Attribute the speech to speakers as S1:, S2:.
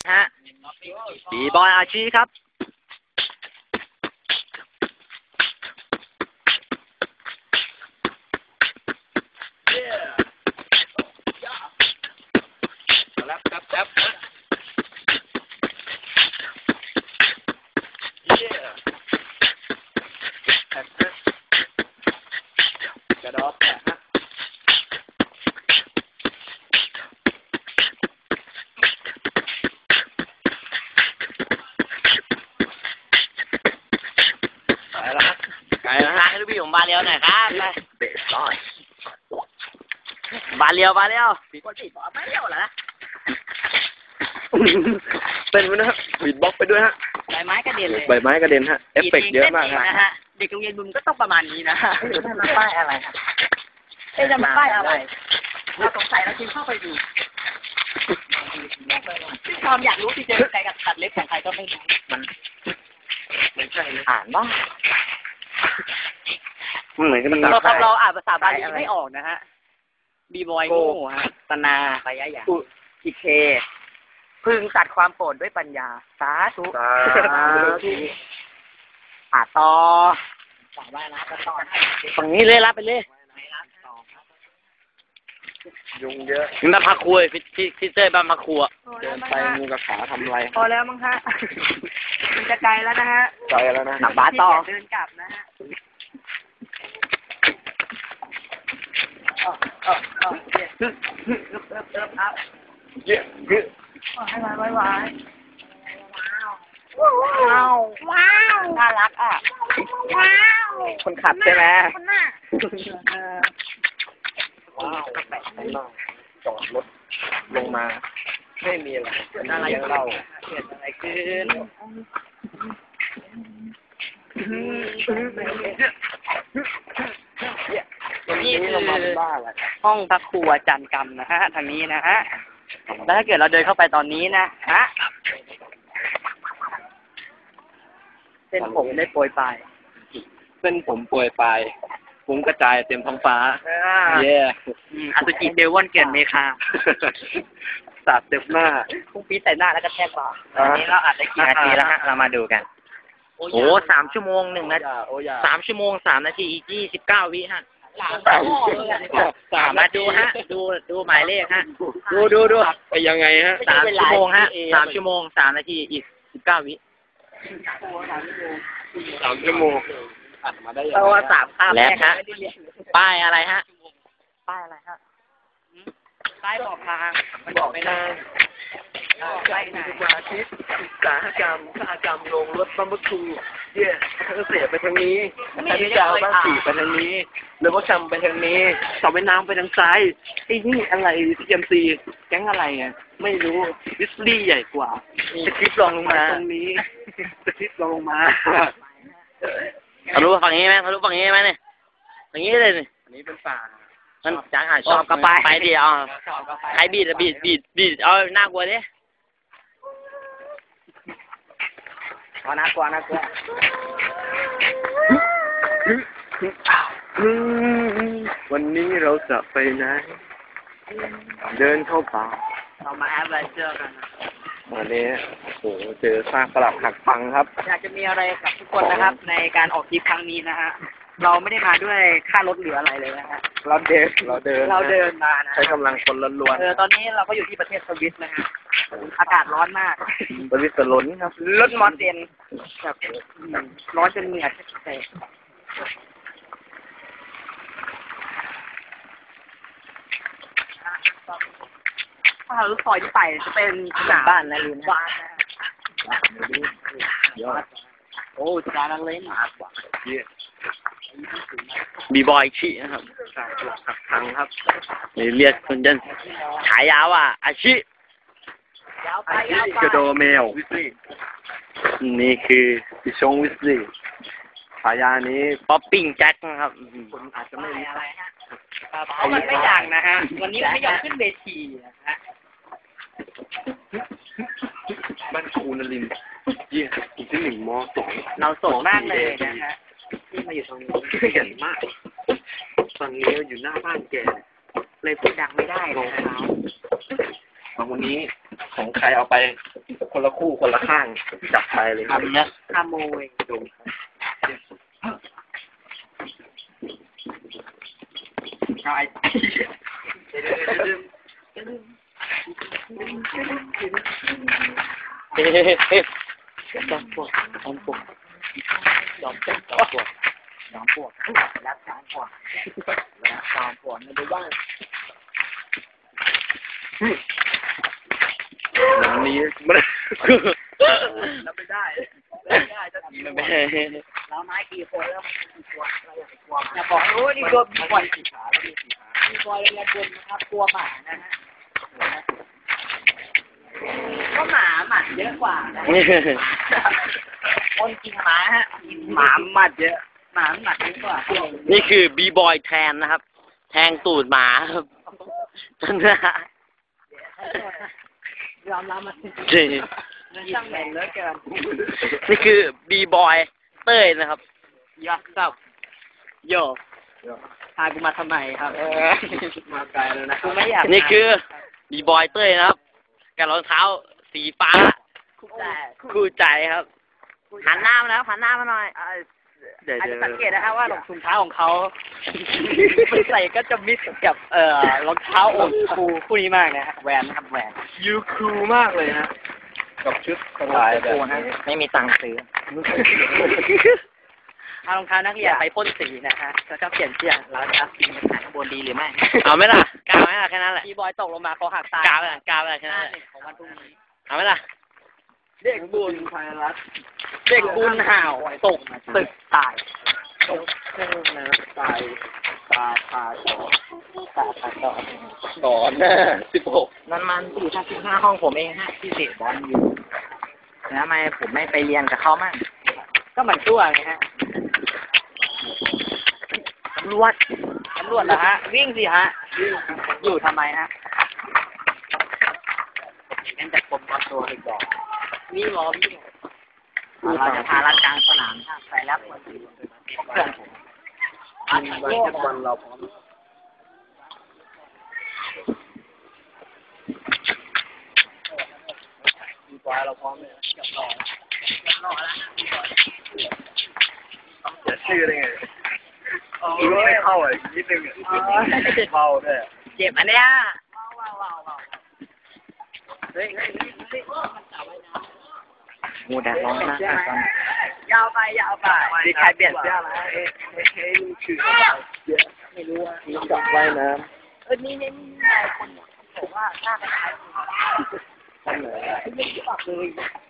S1: ฮะบีบอยอาชีครับ
S2: กระดอกฮะ
S1: ไปแล้วฮะให้ลูกพี่ผมบาเรียวหน่อยครับไปเบสบอยบาเรียวปีกติดบาเรียวเหรอ
S2: เป็นไหมนะฮะบีทบ็อกไปด้วยฮะ
S1: ใบไม้กระเด็นเลย
S2: ใบไม้กระเด็นฮะเอฟเฟกต์เยอะมากครับ
S1: เด็กโรงเรียนบุญก็ต้องประมาณนี้นะจะมาป้ายอะไรจะมาป้ายอะไรเราสงสัยเราจึงเข้าไปดูที่ความอยากรู้ที่เจอใครกับตัดเล็บของใครก็ไม่รู้มันไม่ใช่อ่านบ้าง
S2: มันเหมือนกัน
S1: เราอ่านภาษาบาลีไม่ออกนะฮะบีบอยโง่ฮะตนาปยายาอิเคพึงตัดความโกรธด้วยปัญญาสาธุต่อว่านะต่อฝั่งนี้เลยรับไปเลย
S2: ยุงเยอะ
S1: นี่มาพักคุยพี่เต้บ้านพักครัว
S2: เดินไปงูกับขาทำไร
S1: พอแล้วมั้งฮะมันจะไกลแล้วนะฮะ
S2: ไกลแล้วนะ
S1: กลับบ้านต่อเดินกลับนะฮะครับ
S2: เยอะ
S1: ให้ไว้ว้าวน่ารักอ่ะว้าวคนขับใช่ไหม
S2: ว้าวจอดรถลงมาไม่มีอะไรยังเล่า
S1: เกิดอะไรขึ้นนี่คือห้องพระครูอาจารย์กรรมนะฮะทางนี้นะฮะแล้วถ้าเกิดเราเดินเข้าไปตอนนี้นะฮะเส้นผมได้โปรยปลาย
S2: เส้นผมโปรยปลายฟุ้งกระจายเต็มท้องฟ้า
S1: เย่อสุจิเดวอนเกียนเมคา
S2: สาดเต็มหน้า
S1: พุ่งปี๊ใส่หน้าแล้วก็แทกบ่าตอนนี้เราอัดได้กี่นาทีแล้วฮะเรามาดูกันโอ้3 ชั่วโมง1 นาที3 ชั่วโมง3 นาทีอีก29 วิฮะมาดูฮะดูหมายเลขฮะดู
S2: ไปยังไงฮะ
S1: 3 ชั่วโมงฮะ3 ชั่วโมง3 นาทีอีก19 วิ
S2: 3 ชั่วโมงอัดมาได้ยังไง
S1: ว่า3 ข้ามแล้วฮะป้ายอะไรฮะป้ายอะไรฮะป้ายบอกทางมันบอกไม่ได้
S2: ไปไหนอาทิตย์อุตสาหกรรมลงรถบัมเบอร์คูเย่เกษตรไปทางนี้พิจารบ้านสีไปทางนี้หรือว่าชำไปทางนี้สอบไปน้ำไปทางซ้ายไอ้นี่อะไรทีเอ็มซีแก๊งอะไรอ่ะไม่รู้วิสลี่ใหญ่กว่าสคริปต์ลงมาตรงนี้สคริปต์ลงมา
S1: ทะลุฝั่งนี้ไหมเนี่ยอย่างนี้เลยนี่
S2: อันนี้เป็นป่า
S1: มันจังชอบก็ไปดิใครบีดเอาน่ากลัวดิน่ากลัว
S2: วันนี้เราจะไปไหนเดินเข้าป่า
S1: เรามาแอดเวนเจอร์กัน
S2: วันนี้โอ้โหเจอซากปรักหักพังครับ
S1: อยากจะมีอะไรกับทุกคนนะครับในการออกทริปครั้งนี้นะฮะเราไม่ได้มาด้วยค่ารถเหลืออะไรเลยนะฮะ
S2: เราเดิน
S1: มานะ
S2: ใช้กำลังคนล้วน
S1: ตอนนี้เราก็อยู่ที่ประเทศสวิตนะฮะอากาศร้อนมาก
S2: สวิตเซอร์แลนด์ครับ
S1: รถมอเตอร์แบบร้อนจนเหงื่อแตกถ้าเราซอยที่ไปจะเป็นสนามบ้านนะลืมบ้านนะ
S2: ยอด
S1: โอ้จานังเล่นมากกว่า
S2: บีบอยชีนะครับหักพังครับเรียกคนจน
S1: ฉายาวอ่ะอาชิ
S2: กระโดแมววิสลี่นี่คือพิชงวิสลี่ฉายานี้
S1: ป๊อปปิ้งแจ็คนะครับ
S2: คนอาจจะไม่รู้
S1: อะไรฮะเพราะมันไม่อย่างนะฮะวันนี้ไม่ยอมขึ้นเวทีนะฮะ
S2: บ้านครูนรินทร์อีกที่1 ม 2
S1: เราสดมากเลยนะฮะที่มาอยู่ตรงนี้
S2: เห็นมากตอนนี้อยู่หน้าบ้านแก
S1: เลยพูดดังไม่ได้รองเท้า
S2: วันนี้ของใครเอาไปคนละคู่คนละข้างจับไปเลย
S1: ทำนะขโมย
S2: ดูครับ
S1: เฮ้ยจอมปลวกจอมปลวกจอมปลวกจอมปลวกจอมปลวกรักจอมปลวกรักจอมปลวกไม่ได้บ้าง
S2: วันนี้มันรับไม่ได้จะทีมันไม่
S1: เราไม้กี่คนแล้วกี่ตัวเราอยากกลัวอย่าบอกโอ้ยนี่ตัวมีบ่อย
S2: สีขาแล้วมีสีขา
S1: มีบ่อยเลยคนนะครับกลัวหมานะฮะก็หมาหมัดเยอะกว่านะคนกินหมาฮะหมาหมัดเยอะหมาหมัดเยอะกว่า
S3: นี่คือบีบอยแทนนะครับ แทงตูดหมาครับนะ
S1: ยอมรับมัน
S3: นี่
S1: ช่างแม่งเหลือเกิน
S3: นี่คือบีบอยเต้ยนะครับ
S1: ยักษ์ซับโยพากูมาทำไมครับ
S2: มาไกลแล้วนะ
S1: กูไม่อยาก
S3: นี่คือบีบอยเต้ยนะครับกับรองเท้าสีฟ้า คู่ใจครับ หันหน้ามาแล้วหันหน้ามาหน่อยเดี๋ยว
S1: อาจจะสังเกตนะครับว่ารองเท้าของเขามันใส่ก็จะมิดกับรองเท้าโอลด์สคูลคู่นี้มากนะฮะแวนนะครับแวน
S2: ยูคูลมากเลยนะกับชุดสบายแบบนี้
S3: ไม่มีตังค์ซื้อ
S1: เอารองเท้านักเรียนไปพ่นสีนะฮะแล้วก็เปลี่ยนเสื้อแล้วจะเอาสีมาขายข้างบนดีหรือไม่
S3: เอาไหมล่ะกล้าไหมล่ะแค่นั้นแหละ
S1: ทีบอยตกลงมาเขาหักตาย
S3: กล้าไหมล่ะกล้าไหมล่ะแค่นั้นแหละ
S1: ของวันพรุ่งนี้
S3: เอาไหมล่ะ
S2: เด็กบุญไทยรัฐ
S1: เด็กบุญห่าวตกตึกตาย
S2: ตกเครื่องน้ำตายตาพาต่อ
S1: ตาขาดต่อ
S2: ต่อหน้า16
S1: นั่นมันอยู่ชั้น15ห้องผมเองฮะที่เตะบอลอยู่แล้วทำไมผมไม่ไปเรียนกับเขามั่งก็เหมือนชั่วไงฮะตำรวจเหรอฮะวิ่งสิฮะอยู่ทำไมฮะเล่นจากกรมบอลตัวอีกดอกนี่รอวิ่งเราจะพาลัดกลางสนามฮะไปรับคนอื่นเพื่อนผม
S2: บาสเกตบอลเราพร้อมมีบอลเราพร้อมเลยอย่าชื่อได้ไงคือไม่เข้าอ่ะนิดนึงอ่ะเบาด้วย
S1: เจ็บอันเนี้ยว้าวเฮ้ยมูแดดร้อนนะยาวไปมีใครเปลี่ยนเสื้อไหม
S2: เฮ้ยคือไม่รู้ว่ามีจับว่ายน้ำ
S1: นี่คนบอกว่าหน้าคล้ายๆ
S2: ทำไหน
S1: ไม่รู้จักเลย